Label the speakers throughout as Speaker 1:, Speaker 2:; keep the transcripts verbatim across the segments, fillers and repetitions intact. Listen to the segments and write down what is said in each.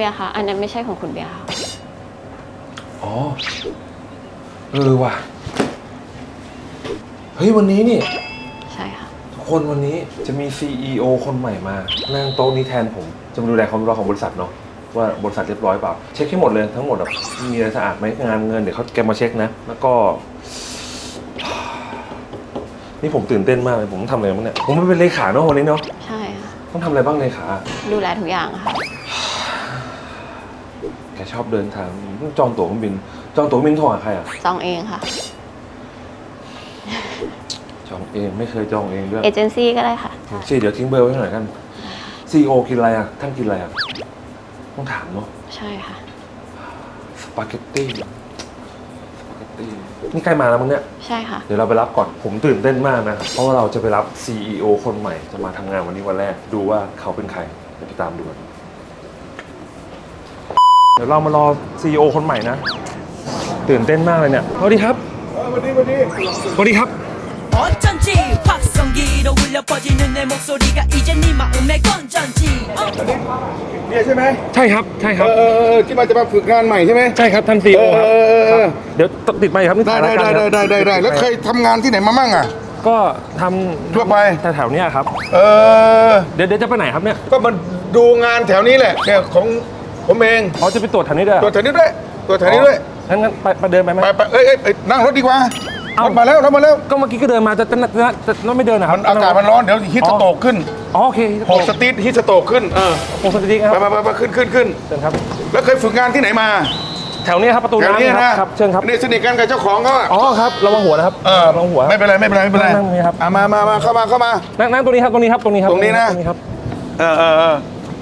Speaker 1: ยร์คะอันนั้นไม่ใช่ของคุณเบียร์ค่ะ
Speaker 2: อ๋อเออว่ะเฮ้ยวันนี้นี่
Speaker 1: ใช่ค่ะ
Speaker 2: ทุกคนวันนี้จะมี ซี อี โอ คนใหม่มานั่งโต๊ะนี้แทนผมจะมาดูแลความเรียบร้อยของบริษัทเนาะว่าบริษัทเรียบร้อยเปล่าเช็คให้หมดเลยทั้งหมดแบบมีอะไรสะอาดไหมงานเงินเดี๋ยวเขาแกมาเช็คนะแล้วก็นี่ผมตื่นเต้นมากเลยผมต้องทำอะไรบ้างเนี่ยผมไม่เป็นเลขาเนาะวันนี้เนาะ
Speaker 1: ใช่ค่ะ
Speaker 2: ต้องทำอะไรบ้างเลขา
Speaker 1: ดูแลทุกอย่างค่ะ
Speaker 2: แกชอบเดินทางจองตั๋วเครื่องบินจองตั๋วเครื่องบินโทรหาใครอ่ะ
Speaker 1: จองเองค่ะ
Speaker 2: จองเองไม่เคยจองเองด้วย
Speaker 1: เอเจนซี่ก็ได้ค่ะ
Speaker 2: สิเดี๋ยวทิ้งเบอร์ไว้หน่อยกัน ซี อี โอ กินอะไรอ่ะท่านกินอะไรอ่ะต้องถามเนาะ
Speaker 1: ใช่ค่ะ
Speaker 2: สปาเกตตี้สปาเกตตี้นี่ใกล้มาแล้วมั้งเนี่ย
Speaker 1: ใช่ค่ะ
Speaker 2: เดี๋ยวเราไปรับก่อนผมตื่นเต้นมากนะเพราะว่าเราจะไปรับ ซี อี โอ คนใหม่จะมาทำงานวันนี้วันแรกดูว่าเขาเป็นใครเดี๋ยวไปตามดูกันเดี๋ยวเรามารอ ซี อี โอ คนใหม่นะตื่นเต้นมากเลยเนี่ยสวัสดีครับ
Speaker 3: สวัสดีสวัสดี
Speaker 2: สวัสดีครับ
Speaker 4: 어쩐지 확성기로 울려 퍼지는 내 목소리가 이제 네 마음에 건전지
Speaker 3: เนี่ยใช่ไหม
Speaker 2: ใช่ครับใช่ครับ
Speaker 3: เออที่มาจะมาฝึกงานใหม่ใช่ไหม
Speaker 2: ใช่ครับท่าน ซี อี โอ ครับเดี๋ยวติดไปครับนี่
Speaker 3: ได้ได้ได้ได้ได้ได้แล้วเคยทำงานที่ไหนมามั่งอ่ะ
Speaker 2: ก็ทำ
Speaker 3: ทั่วไป
Speaker 2: แถวๆนี้ครับ
Speaker 3: เออ
Speaker 2: เดี๋ยวเดี๋ยวจะไปไหนครับเนี่ย
Speaker 3: ก็มาดูงานแถวนี้แหละเนี่ยของผมเอง
Speaker 2: อ๋อจะไปตรวจแถวนี้ด้วย
Speaker 3: ตรวจแถวนี้ด้วยตรวจแถวนี้ด้วย
Speaker 2: งั้นงั้นไปไปเดินไปไหม
Speaker 3: ไปไปเอ้ยเอ้ยนั่งรถดีกว่ารถมาแล้วรถมาแล้ว
Speaker 2: ก็เมื่อกี้ก็เดินมาจะจะจะจะไม่เดินนะครับ
Speaker 3: อากาศมันร้อนเดี๋ยวฮิตสโตกขึ้น
Speaker 2: อ๋อโอเค
Speaker 3: หกสตรีทฮิตสโตกขึ้นเออ
Speaker 2: หกสตรีทครับ
Speaker 3: ไปไปไปขึ้นขึ้นขึ้น
Speaker 2: เชิญครับ
Speaker 3: แล้วเคยฝึกงานที่ไหนมา
Speaker 2: แถวนี้ครับประตูน้ำครับเชิญครับ
Speaker 3: นี่สนิทกันกับเจ้าของเขา
Speaker 2: อ๋อครับระวังหัวนะครับ
Speaker 3: เออ
Speaker 2: ระวังหัว
Speaker 3: ไม่เป็นไรไม่เป็นไรไม่เป็นไร
Speaker 2: นั่งนี่ครับ
Speaker 3: มามามาเข้ามาเข้ามา
Speaker 2: นั่งนั่งตรงนี้ครับตรงนี้ครับตรงนี้ครับ
Speaker 3: ตรงนี้นะเออเออเออ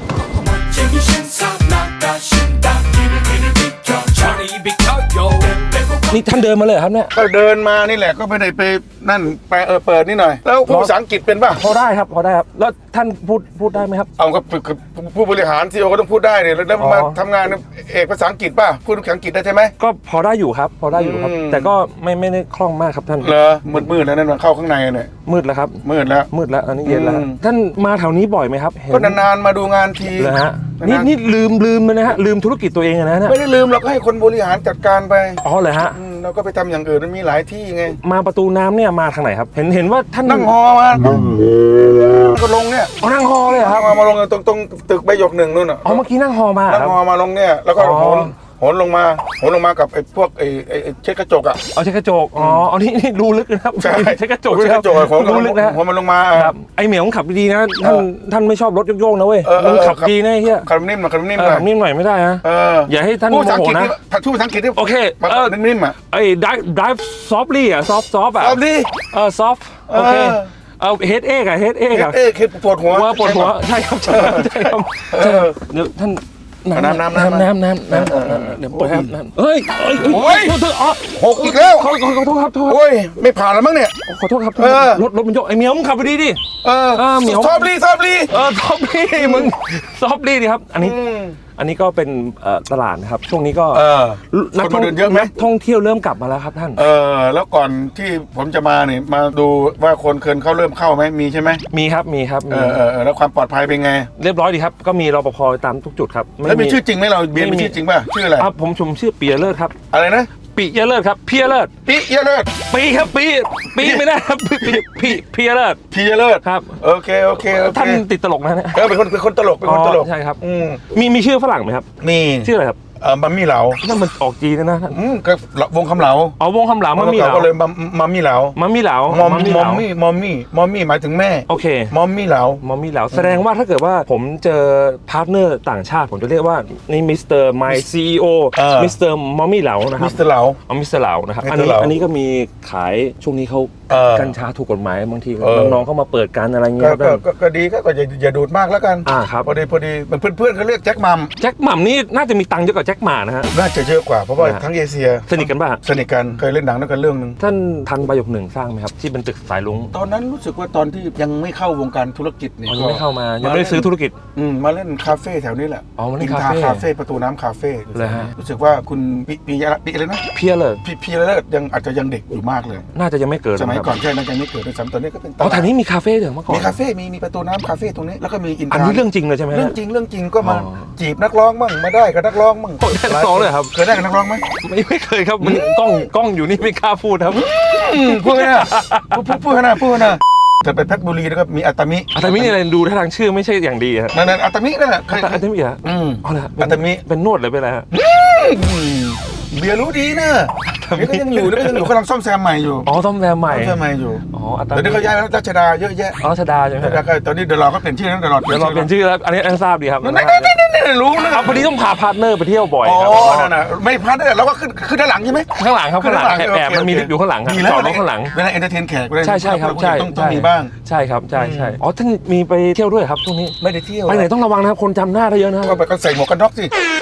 Speaker 2: นี่ท่านเดินมาเลยครับเนี่ย
Speaker 3: ก็เดินมานี่แหละก็ไม่ได้ไปนั่นไปเออเปิดนี่หน่อยแล้วพูดภาษาอังกฤษเป็นป่ะ
Speaker 2: พอได้ครับพอได้ครับแล้วท่านพูดพูดได้ไหมครับ
Speaker 3: เอาก็ผู้บริหารซีอีโอก็ต้องพูดได้เนี่ยแล้วมาทำงานเอกภาษาอังกฤษป่ะพูดภาษาอังกฤษได้ใช่ไหม
Speaker 2: ก็พอได้อยู่ครับพอได้อยู่ครับแต่ก็ไม่ไม่ได้คล่องมากครับท่าน
Speaker 3: เหรอมืดมืดแล้วนั่นเข้าข้างในเนี่ย
Speaker 2: มืดแล้วครับ
Speaker 3: มืดแล้ว
Speaker 2: มืดแล้วอันนี้เย็นแล้วท่านมาแถวนี้บ่อยไหมครับ
Speaker 3: ก็นานๆมาดูงานที
Speaker 2: เลยฮะนี่นี่ลืมลืมเลยนะฮะลืมธุรกิจตัวเองนะเนี่ย
Speaker 3: ไม่ได้ลืมเราก็ให้คนบริหารจัดการไป
Speaker 2: อ๋อเลยฮะ
Speaker 3: เราก็ไปทำอย่างอื่นมันมีหลายที่ไง
Speaker 2: มาประตูน้ำเนี่ยมาทางไหนครับเห็นเห็นว่าท่าน
Speaker 3: นั่งฮอมาก็ลงเนี่ย
Speaker 2: อ๋อนั่งฮอเลยครับ
Speaker 3: มามาลงตรงตรงตึกใบหยกหนึ่งนู่นอ่ะ
Speaker 2: อ๋อเมื่อกี้นั่งฮอมา
Speaker 3: นั่งฮอมาลงเนี่ยแล้วก็โหนโหนลงมาโหนลงมากับไอ้พวกไอ้ไอ้เช็ดกระจกอ่ะ
Speaker 2: เอาเช็ดกระจกอ๋ออันนี้นี่ดูลึกนะครับ
Speaker 3: ใช่
Speaker 2: เช็ดกระจก
Speaker 3: เช็ดกระจกโหนดูลึกนะโหนมันลงมา
Speaker 2: ครับไอ้เหมียวขับดีๆนะท่านท่านไม่ชอบรถโยกๆนะเว้ยมันขับดีนะเฮีย
Speaker 3: ขับนิ่มหน่อยขับนิ่มหน่อย
Speaker 2: ขับนิ่มหน่อยไม่ได้นะอย่าให้ท่าน
Speaker 3: โมโหนะพูดภาษาอังกฤษ
Speaker 2: โอเค
Speaker 3: เออนิ่มๆอ่ะ
Speaker 2: ไอ้ drive drive softly อ่ะ soft soft อ่ะ
Speaker 3: softly
Speaker 2: เออ soft โอเคเอาเฮดเอกอะเฮดเอกอะ
Speaker 3: เฮดเอกเฮดปวดหัว
Speaker 2: ปวดหัวใช่ครับใช่ครับเดี๋ยวท่าน
Speaker 3: น้ำน้ำน้ำ
Speaker 2: น้ำน้ำน้ำน้ำเดี๋ยวเปิดน้ำเฮ้ย
Speaker 3: โอ้ย
Speaker 2: โทษโทษอ๋อ
Speaker 3: หกอีกแล้ว
Speaker 2: ขอขอขอโทษครับโทษ
Speaker 3: โอ้ยไม่ผ่านแล้วมั้งเนี่ย
Speaker 2: ขอโทษครับรถรถมันโยกไอ้เหมียวมึงขับไปดีดิ
Speaker 3: เออเหมียว
Speaker 2: ซ
Speaker 3: อฟลี่ซอฟลี่
Speaker 2: เออซอฟลี่มึงซอฟลี่ดิครับอันนี้อันนี้ก็เป็นตลาดนะครับช่วงนี้ก็
Speaker 3: นักท่องเที่ยวเยอะไหม
Speaker 2: ท่องเที่ยวเริ่มกลับมาแล้วครับท่าน
Speaker 3: เออแล้วก่อนที่ผมจะมาเนี่ยมาดูว่าคนเคินเขาเริ่มเข้าไหมมีใช่ไหม
Speaker 2: มีครับมีครับ
Speaker 3: เออเออแล้วความปลอดภัยเป็นไง
Speaker 2: เรียบร้อยดีครับก็มีรปภตามทุกจุดครับ
Speaker 3: แล้วมีชื่อจริงไหมเราเบียร์มีชื่อจริงป่ะชื่ออะไร
Speaker 2: ครับผมชมชื่อปีเลิศครับ
Speaker 3: อะไรนะ
Speaker 2: ปีเลิศครับพีเลิศ
Speaker 3: ปีเลิศ
Speaker 2: ปีครับปีปีไม่ได้ครับปีปีพีเลิศ
Speaker 3: พีเลิศ
Speaker 2: ครับ
Speaker 3: โอเคโอเค
Speaker 2: ท่านติดตลกนะเนี่ย
Speaker 3: เออเป็นคนเป็นคนตลกเป็นคนตลก
Speaker 2: ใช่ครับมีมีชื่อฝรั่งไหมครับ
Speaker 3: มี
Speaker 2: ชื่ออะไรครับ
Speaker 3: เออมัมมี่เหลา
Speaker 2: นั่นมันออกจีนนะท่าน
Speaker 3: อืมก็วงคำเหลา
Speaker 2: อ๋อวงคำเหลามัมมี่เหลา
Speaker 3: ก็เลยมัมมี่เหลา
Speaker 2: มัมมี่เหลาม
Speaker 3: อมมี่มอมมี่มอมมี่มอมมี่หมายถึงแม่
Speaker 2: โอเค
Speaker 3: มอมมี่เหลาม
Speaker 2: อมมี่เหลาแสดงว่าถ้าเกิดว่าผมเจอพาร์ทเนอร์ต่างชาติผมจะเรียกว่านี่มิสเตอร์ไมซีอีโอมิสเตอร์มอมมี่เหลานะครับ
Speaker 3: มิสเตอร์เหลา
Speaker 2: อ๋อมิสเตอร์เหลานะครับอันนี้อันนี้ก็มีขายช่วงนี้เขากัญชาถูกกฎหมายบางทีน้องๆเข้ามาเปิดกันอะไรเงี้ย
Speaker 3: ก็ดีก็อย่าอย่าดูดมากแล้วกัน
Speaker 2: อ่าครับ
Speaker 3: พอดีพอดีมันเพื่อนๆเขาเรียกแจ็คมัม
Speaker 2: แจ็คมัมนี่น่าจะมีตังค์เยอะกว่าแจ็คหม่านะฮะ
Speaker 3: น่าจะเยอะกว่าเพราะว่าทั้งเอเชีย
Speaker 2: สนิทกันป่ะ
Speaker 3: สนิทกันเคยเล่นหนังด้วยกันเรื่องนึง
Speaker 2: ท่านทันใบหยกหนึ่งสร้างไหมครับที่เป็นตึกสายลุง
Speaker 3: ตอนนั้นรู้สึกว่าตอนที่ยังไม่เข้าวงการธุรกิจเนี่ย
Speaker 2: ยังไม่เข้ามายังไม่ได้ซื้อธุรกิจ
Speaker 3: อืมมาเล่นคาเฟ่แถวนี้แหละ
Speaker 2: อ๋อมาเล่นคา
Speaker 3: เฟ่คาเฟ่ประตูน้ำคาเฟ่
Speaker 2: เลยฮะ
Speaker 3: รู้สึกว่าคุณปีปีอะไรนะ
Speaker 2: เพียเลิศ
Speaker 3: พี่เพียเลิศยังอาจจะยังเด็กอยู่มากเลย
Speaker 2: น่าจะยังไม่เกิด
Speaker 3: สมัยมัย
Speaker 2: ครับ
Speaker 3: ก่อนใช่นะยังไม่เกิดด้วยซ้ำตอนนี้ก็เป็นต
Speaker 2: อ๋อ
Speaker 3: ลา
Speaker 2: แถ
Speaker 3: ด
Speaker 2: วนี้มีคาเฟ่เดี๋ยวเมื่อก่อน
Speaker 3: มีคาเฟ่มีมีประตูน้ำคาเฟ่ตรงนี้แล้วก็มีอินท
Speaker 2: อัน
Speaker 3: รา
Speaker 2: นี้เรื่องจริงเลยใช่ไหมฮะ
Speaker 3: เรื่องจริงเรื่องจริงก็มา
Speaker 2: อ๋อ
Speaker 3: จีบนักร้องมั่งมาได้กับนักร้องมั่ง
Speaker 2: โอ้ได้นักร้องเลยครับ
Speaker 3: เคยได้กับนักร้องไหม
Speaker 2: ไม่ไม่เคยครับมันกล้องกล้องอยู่นี่ไม่กล้าพูดครับ
Speaker 3: อืมพูดกันนะพูดพูดพูดกันนะพูดกันนะแต่ไปเพชรบุรีแล้วก็มีอัตตามิ
Speaker 2: อาตามินี่อะไรดูท่าทางชื่อไม่ใช่อย่างดีครับ
Speaker 3: นั่นนั่นอัตตามินั่นแหละเคย
Speaker 2: อาตามิเหรอ
Speaker 3: อืม
Speaker 2: อ๋อเหรอ
Speaker 3: อาตามิ
Speaker 2: เป็นนวดเลยเป็นอะไรฮะ
Speaker 3: อืมเบียร์รู้ดีนะเบียร์ก็ยังอยู่แล้วก็ยังอยู่กำลังซ่อมแซมใหม่อยู่
Speaker 2: อ๋อซ่อมแซมใหม่
Speaker 3: ซ่อมแซมใหม่อยู่
Speaker 2: อ๋ออาตา
Speaker 3: เดี๋ยว
Speaker 2: มิ
Speaker 3: นี้เขาย้ายไปรัชดาเยอะแยะ
Speaker 2: อ๋อชดาใช่ไหม
Speaker 3: แล้วก็ตอนนี้เดี๋ยวเราก็เปลี่ยนชื่อนะเดี๋ยวเรา
Speaker 2: เดี๋ยวเราเปลี่ยนชื่อแล้วอันนี้อันทราบดีครับ
Speaker 3: นั่นนั่นนั่นนั่นรู้นะ
Speaker 2: เอาพอดีต้องพาพาร์ทเนอร์ไปเที่ยวบ่อย
Speaker 3: อ๋อ
Speaker 2: ครับ
Speaker 3: นั่นน่ะไม่พลาดเลยเราก็ขึ้นขึ้นด้านหลังใช่ไหม
Speaker 2: ข้างหลังครับข้างหลังแอบแอบ
Speaker 3: โอเค
Speaker 2: มันมี
Speaker 3: โอเค
Speaker 2: ลิฟต์อยู่ข้างหลังครับ
Speaker 3: ดีแล้ว
Speaker 2: จอดรถข้างหลัง
Speaker 3: เวลาเอนเตอร์เทนแขกเวลา
Speaker 2: ใช่ใช่ครับใช่
Speaker 3: ต้องต้องมีบ้าง
Speaker 2: ใช่ครับใช่ใช่อ๋อท่านมีไปเที่ยวด้วยครับช่วงนี้
Speaker 3: ไม่ได้เที่ยว
Speaker 2: ไปไหนต้องระวังนะครับคนจำหน้าได้เยอะนะครับ
Speaker 3: ก็ไปก็ใส่หมวกกันน็อกสิ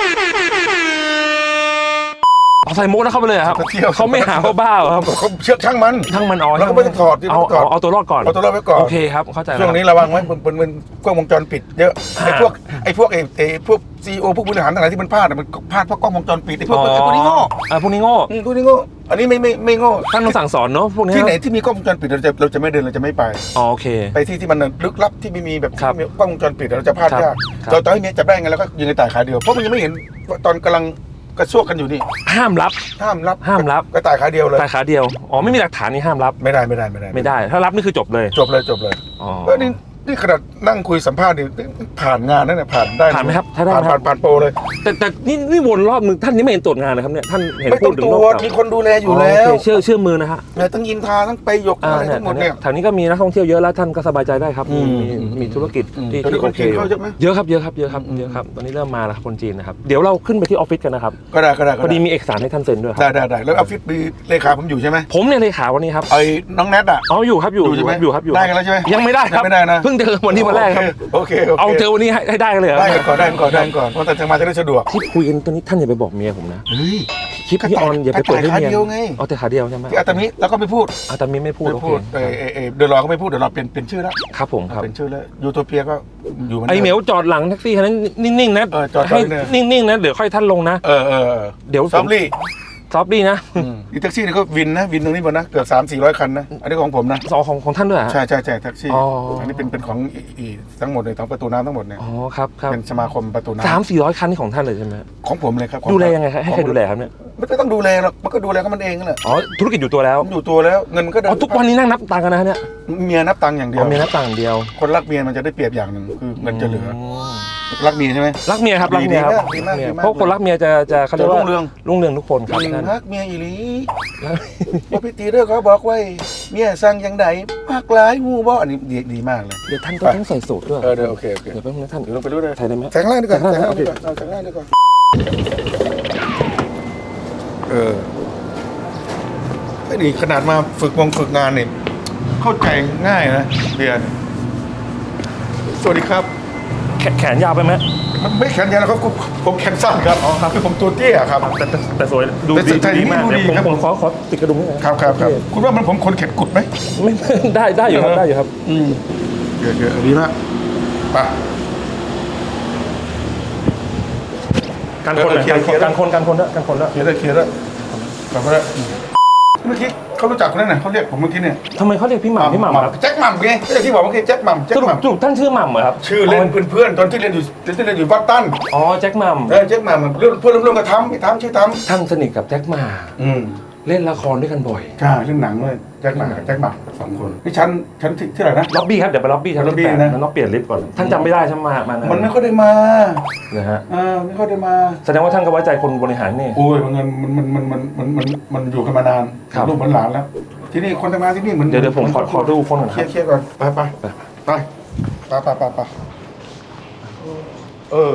Speaker 2: เอาใส่มุกนะเข้าไปเลยเหรอครับ
Speaker 3: ไปเที่ยว
Speaker 2: เขาไม่หาเขาบ้าเหรอครับ
Speaker 3: เขาเชือกช่างมัน
Speaker 2: ทั้งมันอ๋อ
Speaker 3: เราก็ไม่ต้องถอดดิ
Speaker 2: เอา
Speaker 3: ไม่ต้องถอด
Speaker 2: เอาเอาตัวรอดก่อน
Speaker 3: เอาตัวรอดไว้ก่อน
Speaker 2: โอเคครับเข้าใจแล้ว
Speaker 3: ช่วงนี้ระวังไว้มันมันมันกล้องวงจรปิดเยอะไอ้พวกไอ้พวกไอ้ไอ้พวกซีโอพวกบริหารต่างๆที่มันพลาดอะมันพลาดเพราะกล้องวงจรปิดไอ้พวก
Speaker 2: อ๋อ
Speaker 3: ไอ้พวกนี้โง่
Speaker 2: อ่าพวกนี้โง่
Speaker 3: อืมพวกนี้โง่อันนี้ไม่ไม่ไม่โง่
Speaker 2: ท่านต้องสั่งสอนเนาะพวกนี้
Speaker 3: ที่ไหนที่มีกล้องวงจรปิดเราจะเราจะไม่เดินเราจะไม่ไป
Speaker 2: อ๋อโอเค
Speaker 3: ไปที่ที่มันลึกลับที่ไม่มีแบบ
Speaker 2: ครับ
Speaker 3: ที่มีกล้องวงจรปิดเราจะพลาด
Speaker 2: ครับ
Speaker 3: ยาก
Speaker 2: ครับ
Speaker 3: ตอนตอนที่เมียจับได้ไงแล้วก็ยิงในตายขาเดียวเพราะมันยังไม่เห็นว่าตอนกำลังกระซวกกันอยู่นี่
Speaker 2: ห้ามรับ
Speaker 3: ห้ามรับ
Speaker 2: ห้ามรับ
Speaker 3: กระต่ายขาเดียวเลย
Speaker 2: ตายขาเดียวอ๋อไม่มีหลักฐานนี่ห้ามรับ
Speaker 3: ไม่ได้ไม่ได้ไม่ได้
Speaker 2: ไม่ได้ ถ้ารับนี่คือจบเลย
Speaker 3: จบเลยจบเลย
Speaker 2: อ๋อ
Speaker 3: เออนี่นี่ขนาดนั่งคุยสัมภาษณ์นี่ผ่านงานนั่นน่ะผ่านได้
Speaker 2: ผ่านไหมครับถ้าได้
Speaker 3: ผ่าน
Speaker 2: ไหมครั
Speaker 3: ผ่า
Speaker 2: บ
Speaker 3: นผ่านโปรเลย
Speaker 2: แต่แต่นี่นี่วนรอบนึงท่านนี่ไม่เห็นตรวจงานนะครับเนี่ยท่านเห็น
Speaker 3: ไม่
Speaker 2: พู
Speaker 3: ต้อ
Speaker 2: ด
Speaker 3: ง
Speaker 2: ถึง
Speaker 3: ตร
Speaker 2: รอบ
Speaker 3: วจ
Speaker 2: เก่า
Speaker 3: มีคนดูแลอยู่แล้ว
Speaker 2: โเคเชื่อเชื่อมือนะฮะ
Speaker 3: เนี่ยทั้งอินทราทั้งไปหยก
Speaker 2: อ่า
Speaker 3: อะไร
Speaker 2: เนี่ย
Speaker 3: ทั้งหมดเนี่ย
Speaker 2: แถวนี้ก็มีนักท่องเที่ยวเยอะแล้วท่านก็สบายใจได้ครับ
Speaker 3: อื
Speaker 2: มี
Speaker 3: ม
Speaker 2: มีมีธุรกิจ
Speaker 3: อืม
Speaker 2: ที่
Speaker 3: ตอนนี้
Speaker 2: ที่โอเค
Speaker 3: คนจีนเข้าเยอะไหม
Speaker 2: เยอะครับเยอะครับเยอะครับเยอะครับตอนนี้เริ่มมาแล้วครับคนจีนนะครับเดี๋ยวเราขึ้นไปที่ออฟฟิศกันนะครับ
Speaker 3: ก็ได้ก็ได้ก็
Speaker 2: พอดี
Speaker 3: ได้
Speaker 2: มีเอกสารให้ท่านเซ็นด้วยค
Speaker 3: ได้
Speaker 2: รับ
Speaker 3: ได้ได้แล้วออฟฟิศมีเลขาผมอยู่ใช่ไหม
Speaker 2: ผมเนี่ยเลขาวันนี้ครับ
Speaker 3: ไอ้น้องแนทอ่ะ
Speaker 2: อ๋ออยู่ครับอยู่
Speaker 3: อยู่ใช่ไหม
Speaker 2: อยู่ครับอยู่
Speaker 3: ได้กันแล้วใช่ไหม
Speaker 2: ยังไม่ได้ครับ
Speaker 3: ยังไม่ได้นะ
Speaker 2: เพิ่งเจอวันนี้วันแรกครับ
Speaker 3: โอเคโอเค
Speaker 2: เอาเจอวันนี้ให้ให้ได้กันเลยเหรอ
Speaker 3: ได้กันก่อนได้กันก่อนได้กันก่อนเพราะแต่จะมาจะได้สะดวก
Speaker 2: ที่คุยกันตอนนี้ท่านอย่าไปบอกเมียผมนะ
Speaker 3: เฮ้ย
Speaker 2: คลิปที่ออนอย่าไปเปิดให้
Speaker 3: ขา
Speaker 2: เมีย
Speaker 3: เดียวไง
Speaker 2: เอาแต่ขาเดียวใช่ไหม
Speaker 3: ที่อาตามิแล้วก็ไม่พูด
Speaker 2: อาตามิไม่พูด
Speaker 3: ไม่
Speaker 2: โอเค
Speaker 3: พูดเออเออเออเดี๋ยวรอก็ไม่พูดเดี๋ยวเราเปลี่ยนเปลี่ยนชื่อแล้ว
Speaker 2: ครับผมครับ
Speaker 3: เปลี่ยนชื่อแล้วยูโทเปียก็อยู่มัน
Speaker 2: ไอเหมียวจอดหลังแท็กซี่คันนั้นนิ่งๆนะ
Speaker 3: เออจอด
Speaker 2: ให้
Speaker 3: จอดเนี่ย
Speaker 2: นิ่งๆนะเดี๋ยวค่อยท่านลงนะ
Speaker 3: เออเออเออ
Speaker 2: เดี๋ยว
Speaker 3: ซอมลี่
Speaker 2: ซอฟดี้นะ
Speaker 3: อีแท็กซี่นี่ก็วินนะวินตรงนี้หมดนะเกือบสามสี่ร้อยคันนะอันนี้ของผมนะ
Speaker 2: สอของของท่านด้วยเหรอฮะ
Speaker 3: ใช่ใช่ใช่แท็กซี่
Speaker 2: อ๋ออั
Speaker 3: อันนี้เป็นเป็นของอีอีทั้งหมดเลยทั้งประตูน้ำทั้งหมดเนี่ย
Speaker 2: อ๋อครับครับ
Speaker 3: เป็นสมาคมประตูน้ำ
Speaker 2: สามสี่ร้อยคันนี่ของท่านเลยใช่ไหม
Speaker 3: ของผมเลยครับของ
Speaker 2: ดูแลยังไงครับให้ใครดูแลครับเนี่ย
Speaker 3: ไม่ต้องดูแลหรอกมันก็ดูแลของมันเองนั่นแหละ
Speaker 2: อ๋อธุรกิจอยู่ตัวแล้ว
Speaker 3: มันอยู่ตัวแล้วเงินมันก็เดิ
Speaker 2: อ๋อทุกวันนี้นั่งนับตังค์กันนะฮะเนี่ย
Speaker 3: เมียนับตังค์อย่างเดี
Speaker 2: อ๋
Speaker 3: ยว
Speaker 2: อมีนับตังค์อย่างเดียว
Speaker 3: คนรักเมียมันจะได้เปรียบอย่างหนึ่งคือเงินจะเหลือ
Speaker 2: ม
Speaker 3: รักเมียใช่ไหม
Speaker 2: รักเมียครับรักเมียครับ
Speaker 3: ดีมากดีมากดีมาก
Speaker 2: เพราะคนรักเมียจะจะเขาเรียกว่า
Speaker 3: จะรุ่งเรือง
Speaker 2: รุ่งเรืองทุกคนครับ
Speaker 3: อืม
Speaker 2: ท่าน
Speaker 3: รักเมียอีหลีว่าพี่ตีเด้อเขาบอกไว้เมียสั่งอย่างใดมากหลายงูบ่อันนี้ดีดีมากเลย
Speaker 2: เดี๋ยวท่านก็ต้องใส่สูทด้วย
Speaker 3: เออเดี๋ยวโอเคโอเค
Speaker 2: เดี๋ยวแป๊บนึงนะท่าน
Speaker 3: เดี๋ยวลงไปดูเลย
Speaker 2: ใส่ได้ไหม
Speaker 3: แสงล่างดีกว่า
Speaker 2: แสงล่าง
Speaker 3: แสงล่าง
Speaker 2: โอเค
Speaker 3: ดีกว่าเอาแสงล่างดีกว่าเออไอ้นี่ขนาดมาฝึกวงฝึกงานเนี่ยเข้าใจง่ายนะเบียร์สวัสดีครับ
Speaker 2: แขแขนยาวไปไหม
Speaker 3: มันไม่แขนยาวแล้วครับผมผมแขนสั้นครับอ๋อครับคือผมตัวเตี้ยครับ
Speaker 2: แต่แต่แต่สวยดู
Speaker 3: แต่
Speaker 2: ดี
Speaker 3: แต่
Speaker 2: ดีมาก
Speaker 3: ดูดี
Speaker 2: เดี๋ยวผม
Speaker 3: ครับ
Speaker 2: ผมขอขอติดกระดุมนิดนึง
Speaker 3: ครับครับครับคุณว่ามันผมคนเข็ดกุดไหม
Speaker 2: ไม่ ได้ได้อยู่ครับได้อยู่ครับ
Speaker 3: อืมเกิดเกิดดีมากไป
Speaker 2: การคน
Speaker 3: เออเคลียร์เคลียร์
Speaker 2: การคนการคนด้วยการคนด้วย
Speaker 3: เคลียร์ได้เคลียร์ได้กลับมาได้เมื่อกี้เขารู้จักคนนั้นน่ะเขาเรียกผมเมื่อกี้เนี่ย
Speaker 2: ทำไมเขาเรียกพี่หม่ำพี่หม่ำครับ
Speaker 3: แจ็คหม่ำไงก็อย่างที่บอกเมื่อกี้แจ็คหม่ำแจ็
Speaker 2: ส
Speaker 3: ค
Speaker 2: รุ
Speaker 3: ห
Speaker 2: ป
Speaker 3: ม่ำ
Speaker 2: สรุปท่านชื่อหม่ำเหรอครับ
Speaker 3: ชื่อเล่นเพื่อนๆตอนที่เรียนอยู่ที่เรียนอยู่วัดตั้น
Speaker 2: อ๋อแจ็คหม่
Speaker 3: เออแจ็คหม่ำเพื่อนเพื่อนร่วมกันทำไม่ทำชื่อท
Speaker 2: ำท่านสนิทกับแจ็คหม่
Speaker 3: ำอืม
Speaker 2: ำเล่นละครด้วยกันบ่อย
Speaker 3: ใช่เล่นหนังด้วยแจ็คหม่ำกับแจ็คหม่ำสองคนนี่ชั้นชั้นที่ที่ไหนนะ
Speaker 2: ล็อบบี้ครับเดี๋ยวไปล็อบบี้ชั้น
Speaker 3: ล็อบบี้
Speaker 2: แปด
Speaker 3: นะ
Speaker 2: แล้วต้องเปลี่ยนลิฟต์ก่อนท่านจำไม่ได้ใช่ไหมมามา
Speaker 3: มันไม่ค่อยได้มา
Speaker 2: นะฮะ
Speaker 3: อ่าไม่ค่อยได้มา
Speaker 2: แสดงว่าท่านก็ไว้ใจคนบริหารนี่
Speaker 3: โอ้ยมันมันมันมันมันมันมันมันอยู่กันมานาน
Speaker 2: ครับ
Speaker 3: ลูกเหมือนหลานแล้ว ที่นี่คนทำงานที่นี่เหมือน
Speaker 2: เดี๋ยวเดี๋ยวผมขอขอดูคนก่อน
Speaker 3: เค
Speaker 2: ค
Speaker 3: ลี
Speaker 2: รั
Speaker 3: ย
Speaker 2: บ
Speaker 3: ร์เคลียร์ก่อนไปไปไปไปไปไปไปเออ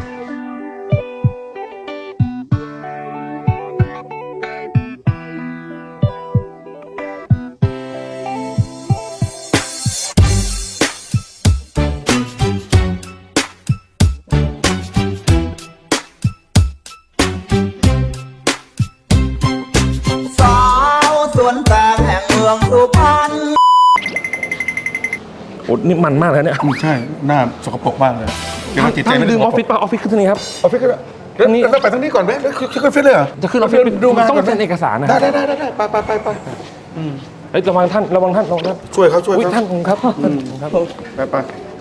Speaker 5: สาวสวนแตงแห่งเมืองสุพรรณ
Speaker 2: โอ้นี่มันมากเลยเนี่ย
Speaker 3: อืมใช่หน้าสกปรกมากเลยเดี๋ยวเราจิตใจ
Speaker 2: ท่าน
Speaker 3: ไม่
Speaker 2: ลื
Speaker 3: ได้
Speaker 2: มออฟฟิศป่ะออฟฟิศคือที่นี่ครับ
Speaker 3: ออฟฟิศก็ได้แล้ว
Speaker 2: นี่
Speaker 3: แล้วไปทางนี้ก่อนไหมแล้วคือคือออฟฟิศเลยเหรอ
Speaker 2: จะขึ้นออฟฟิศ
Speaker 3: ดูงาน
Speaker 2: ต้อง
Speaker 3: ก่อนไหม
Speaker 2: เซ็นเอกสารนะ
Speaker 3: ได้ได้ได้ได้ไปไปไปไปอืม
Speaker 2: เฮ้ยระวังท่านระวังท่านระวังท่าน
Speaker 3: ช่วยเขาช่วย
Speaker 2: อุ้ย
Speaker 3: เขา
Speaker 2: ท่านผมครับท่านผมครับ
Speaker 3: ไปไป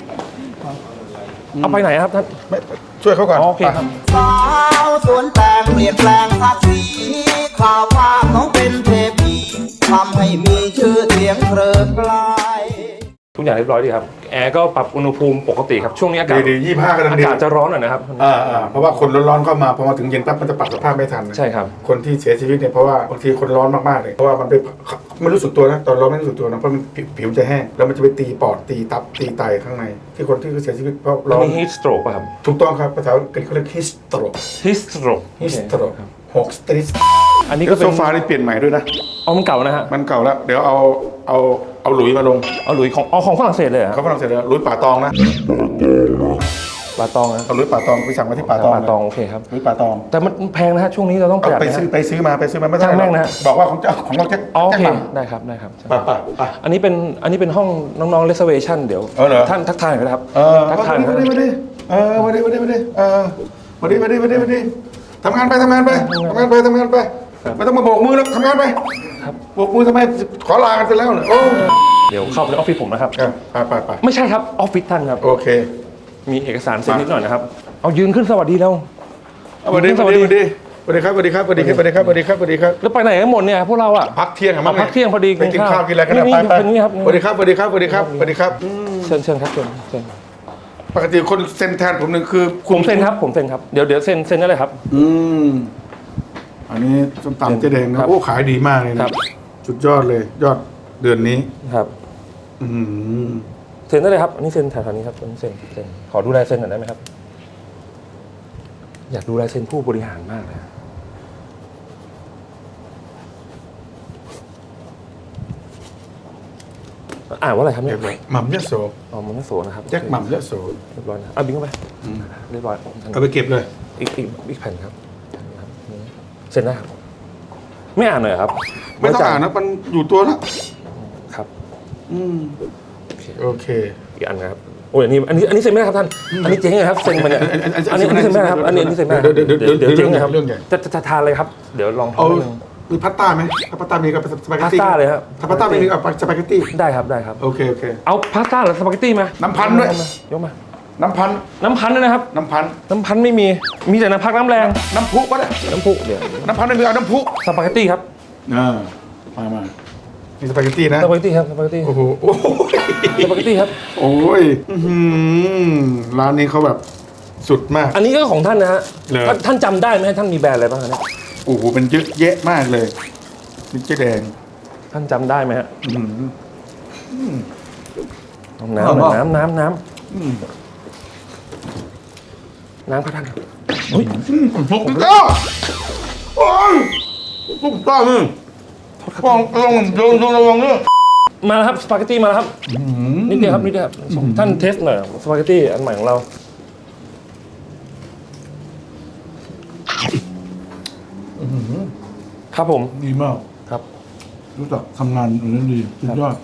Speaker 2: เอาไปไหนครับท่าน
Speaker 3: ไม่ช่วยเขาก่อน
Speaker 2: อ๋อโอเคครับ
Speaker 5: สาวสวนแตงเปลี่ยนแปลงทักสีข่าวว่าน้องเป็นเทพีทำให้มีชื่อเสียงเพลิดเพลาย
Speaker 2: ทุกอย่างเรียบร้อยดีครับแอร์ก็ปรับอุณหภูมิปกติครับช่วงนี้อากาศ
Speaker 3: ดีดียี่ห้ากำลัง
Speaker 2: อา
Speaker 3: ดี
Speaker 2: กาศจะร้อนหน่อยนะครับ
Speaker 3: อ่าอ่าเพราะว่าคนร้อนๆเข้ามาพอมาถึงเย็นปั๊บมันจะปรับสภาพไม่ทันนะ
Speaker 2: ใช่ครับ
Speaker 3: คนที่เสียชีวิตเนี่ยเพราะว่าบางทีคนร้อนมากๆเลยเพราะว่ามันไปไม่รู้สึกตัวนะตอนร้อนไม่รู้สึกตัวนะเพราะมันผิวผิวจะแห้งแล้วมันจะไปตีปอดตีตับตีไตข้างใน ที่คนที่เสียชีวิตเพราะ
Speaker 2: แล้
Speaker 3: ร้
Speaker 2: ว
Speaker 3: อน
Speaker 2: มี heat stroke ป่ะครับ
Speaker 3: ถูกต้องครับภาษาอังกฤษเขาเรียก heat stroke
Speaker 2: heat stroke
Speaker 3: heat stroke หกสตรีท
Speaker 2: อันนี้
Speaker 3: นี่
Speaker 2: ก็
Speaker 3: ก็
Speaker 2: เป็น
Speaker 3: โซฟาที่เปลี่ยนใหม่ด้วยนะ
Speaker 2: เอามันเก่านะฮะ
Speaker 3: มันเก่าแล้วเดี๋ยวเอาเอาเอาหลุยมาลง
Speaker 2: เอาหลุยของเอาของฝรั่งเศสเลยเหรอ
Speaker 3: เขาฝรั่งเศสเลยหลุยป่าตองนะ
Speaker 2: ปลาตองนะ
Speaker 3: เอาหลุยป่าตองไปสั่งมาที่ป่าตอง
Speaker 2: ปลาตองโอเคครับ
Speaker 3: หลุยป่าตอง
Speaker 2: แต่มันแพงนะฮะช่วงนี้เราต้องป
Speaker 3: เอา
Speaker 2: ระหยัด
Speaker 3: ไป
Speaker 2: นะ
Speaker 3: ซื้อ
Speaker 2: ฮะ
Speaker 3: ไปซื้อมาไปซื้อมาไม่ได้
Speaker 2: ช่างแม่งนะฮะ
Speaker 3: บอกว่าของเจ้าของเราแจ็ค
Speaker 2: อ๋อโอเค
Speaker 3: แจ็คหม่
Speaker 2: ได้ครับได้ครับ
Speaker 3: ไปไปไป
Speaker 2: อันนี้เป็นอันนี้เป็นห้องน้องๆ reservation เดี๋ยว
Speaker 3: เออเหรอ
Speaker 2: ท่านทักทายหน่อยนะครับ
Speaker 3: เออ
Speaker 2: ทักทายห
Speaker 3: มา
Speaker 2: น่อย
Speaker 3: ดิมาดิเออมาดิมาดิมาดิเออมาดิมาดิมาดิมาดิทำงานไปทำงานไปทำงานไปทำงานไปไม่ต้องมาโบกมือแล้วทำงานไปโบกมือทำไมขอลากันไปแล้วเนี่ยโอ้
Speaker 2: เดี๋ยวเข้าไปในออฟฟิศผมนะครับ
Speaker 3: ไปไปไป
Speaker 2: ไม่ใช่ครับออฟฟิศท่านครับ
Speaker 3: โอเค
Speaker 2: มีเอกสารเซ็นนิดหน่อยนะครับเอายืนขึ้นสวัสดีแล้ว
Speaker 3: สวัสดีสวัสดีสวัสดีสวัสดีครับสวัสดีครับสวัสดีครับสวัสดีครับสวัสดีครับสวัสดีครับ
Speaker 2: แล้วไปไหนกันหมดเนี่ยพวกเราอะ
Speaker 3: พักเที่ยงอะมั้ง
Speaker 2: พักเที่ยงพอดี
Speaker 3: ไปกินข้าวกินอะไรกัน
Speaker 2: นี่
Speaker 3: นะ
Speaker 2: นี่
Speaker 3: ไปไป
Speaker 2: เป็นนี่ครับ
Speaker 3: สวัสดีครับสวัสดีครับสวัสดีครับสวัสดีครับ
Speaker 2: เชิญเชิญครับเชิญเชิญ
Speaker 3: ปกติคนเซ็นแทนผมหนึ่งคือ
Speaker 2: ผมเซ็นครับผมเซ็นครับเดี๋ยวเดี๋ยวเซ็นเซ็นได้เลยครับ
Speaker 3: อืมอันนี้ส้มตำเจ๊แดง
Speaker 2: ค
Speaker 3: นะ
Speaker 2: รับ
Speaker 3: โอ้ขายดีมากเลย
Speaker 2: ค
Speaker 3: นะ
Speaker 2: รับ
Speaker 3: สุดยอดเลยยอดเดือนนี้
Speaker 2: ครับ
Speaker 3: อืม
Speaker 2: เซ็นได้เลยครับอันนี้เซ็นแถวๆนี้ครับอันนี้เซ็นเซ็นขอดูลายเซ็นหน่อยได้ไหมครับ อยากดูลายเซ็นผู้บริหารมากเลยอ่านว่าอะไรครับ
Speaker 3: เรี
Speaker 2: เนี่ย
Speaker 3: ยบร้อยหม่ำยะโส
Speaker 2: อ๋อมันไม่โสนะครับ
Speaker 3: แจ็คหม่ำยะโส
Speaker 2: เรียบร้อยนะเอาบิงเข้าไปเรียบร้อย
Speaker 3: เอาไปเก็บเลย
Speaker 2: อีกอีกอีกแผ่นครับเซ็นได้ครับ ไม่อ่านหน่อยเหรอครับ
Speaker 3: ไม่ต้องอ่านนะมันอยู่ตัวแล้ว
Speaker 2: ครับ
Speaker 3: อืม
Speaker 2: โอเค
Speaker 3: โอเค
Speaker 2: อีกอันนะครับโอ้ยอันนี้อันนี้อันนี้เซ็นไม่ได้ครับท่านอันนี้เจ๊งเลยครับเซ็นมาเนี่ยอันนี้อันนี้เซ็นไม่ได้ครับอันนี้อันนี้เซ็นไม่ได้
Speaker 3: เดี๋ยวเดี๋ยวเดี๋ยว
Speaker 2: เดี๋ยวเจ๊งนะครับ
Speaker 3: เรื่องใหญ่
Speaker 2: จะจะจะทานเลยครับเดี๋ยวลอง
Speaker 3: เอา
Speaker 2: ทำนิดนึง
Speaker 3: มีพาสต้าไหมถ้าพาสต้ามีกับสปาเกตตี้
Speaker 2: พาสต้าเลยครับ
Speaker 3: ถ้าพาสต้าไม่มีกับสปาเกตตี้
Speaker 2: ได้ครับได้ครับ
Speaker 3: โอเคโอเค
Speaker 2: เอาพาสต้าหรือสปาเกตตี้มา
Speaker 3: น้ำพันธุ์ด้วย
Speaker 2: ยกมา
Speaker 3: น้ำพัน
Speaker 2: น้ำพันธุ์ด้วยนะครับ
Speaker 3: น้ำพัน
Speaker 2: น้ำพันธุ์ไม่มีมีแต่น้ำพักน้ำแรง
Speaker 3: น้ำพุก็ได้
Speaker 2: น้ำพุเดี๋ยว
Speaker 3: น้ำพันไม่มีเอาน้ำพุ
Speaker 2: สปาเกตตี้ครับ
Speaker 3: อ่ามามามีสปาเกตตี้นะ
Speaker 2: สปาเกตตี้ครับสปาเกตตี้
Speaker 3: โอ้โหโอ้โห
Speaker 2: สปาเกตตี้ครับ
Speaker 3: โอ้ยอื้อหือร้านนี้เขาแบบสุดมาก
Speaker 2: อันนี้ก็ของท่านนะฮะ
Speaker 3: เหรอ
Speaker 2: ท่านท่านจำได้ไหมท่านมีแบรนด์อะไรบ้างฮะเนี่ย
Speaker 3: โอ้โหเป็นเยอะแยะมากเลยนี่เจ๊แดง
Speaker 2: ท่านจำได้ไหมฮะ
Speaker 3: อื้อหือ
Speaker 2: น้ำหน่อยน้ำน้ำน้
Speaker 3: อืม
Speaker 2: ำน้ำครับท่าน
Speaker 3: ถูกต้องโอ้ยถูกต้องนี่ลองลองโยนโยนระวังเนี่ย
Speaker 2: มาแล้วครับสปาเกตตี้มาแล้วครับนิดเดียวครับนิดเดียวครับท่านเทสหน่อยสปาเกตตี้อันใหม่ของเรา ครับผม
Speaker 3: ดีมาก
Speaker 2: ครับ
Speaker 3: รู้จักทำงานอย่างนี้ดีสุดยอด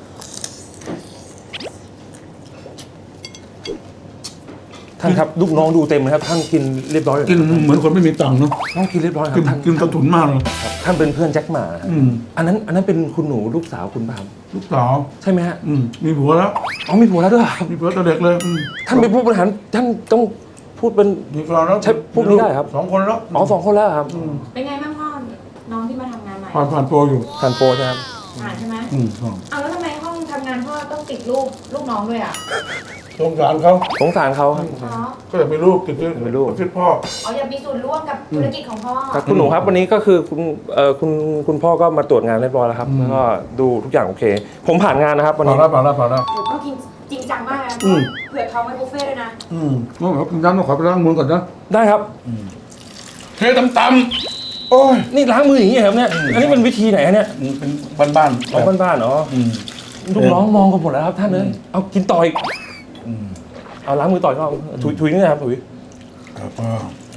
Speaker 2: ท่านครับลูกน้องดูเต็มเลยครับท่านกินเรียบร้อยเลย
Speaker 3: กินเหมือนคนไม่มีตังค์เนาะ
Speaker 2: ต้องกินเรียบร้อยครั
Speaker 3: กิน
Speaker 2: บท่าน
Speaker 3: กินกระถุนมากเลย
Speaker 2: ครับท่านเป็นเพื่อนแจ็คหมา
Speaker 3: อืม
Speaker 2: อันนั้นอันนั้นเป็นคุณหนูลูกสาวคุณป่ะครับ
Speaker 3: ลูกสาว
Speaker 2: ใช่ไหมฮะ
Speaker 3: อืมมีผัวแล้ว
Speaker 2: อ๋อมีผัวแล้วด้วยเหรอครับ
Speaker 3: มีผัวตั้งแต่เด็กเลยอืม
Speaker 2: ท่านเป็นผู้บริหารท่านต้องพูดเป็น
Speaker 3: มีแฟนแล้ว
Speaker 2: ใช่พูดนี้ได้ครับ
Speaker 3: สองคนแล้ว
Speaker 2: อ๋อสองคนแล้วครับ
Speaker 6: เป็นไงบ้างพ่อ น้องที่มาทำงานใหม่
Speaker 3: ผ่านผ่านโปรอยู่
Speaker 2: ทานโปรใช่ไหมครับ
Speaker 6: ผ่านใช่ไหม
Speaker 3: อืมอ๋อ
Speaker 6: เอาแล้วทำไมห้องทำงานพ่อต้องติดรูปลูกน้องด้วยอ่ะ
Speaker 3: สงสารเขา
Speaker 2: สงสารเขาครับ
Speaker 6: อ๋อ
Speaker 3: ก็อยากมีลูกติดด้วย
Speaker 2: มีลูก
Speaker 3: ติดพ่อ
Speaker 6: อ๋ออยากมีส่วนร่วมกับธุรกิจของพ่อ
Speaker 2: ครับคุณหนูครับวันนี้ก็คือคุณเอ่อคุณคุณพ่อก็มาตรวจงานเรียบร้อยแล้วครับแล้วก็ดูทุกอย่างโอเค ผมผ่านงานนะครับวัน
Speaker 3: ผ่าน
Speaker 2: นี้
Speaker 3: แล้วผ่านแล้วผ่านแล้ว
Speaker 6: หนูก็กินจริงจังมากนะ
Speaker 3: อืม
Speaker 6: เผื่อท้องไว้บุฟเฟ่ต์ด้วยนะ
Speaker 3: อืมงั้นเดี๋ยวผมย้ำต้องขอไปล้างมือก่อนนะ
Speaker 2: ได้ครับ
Speaker 3: เทตำตำโอ้ย
Speaker 2: นี่ล้างมืออย่างนี้เหรอครับเนี่ยอันนี้เป็นวิธีไหนฮะเนี่ย
Speaker 3: นี่เป็นบ้านๆ
Speaker 2: ของบ้านๆเนาะ
Speaker 3: อืม
Speaker 2: ลูกน้องมองกันหมดแล้วครับท่านเลยเอากินต่ออีกเอาล้างมือต่ออีกรอบถุยถุยนี่นะครับถุย
Speaker 3: ครับพ่อ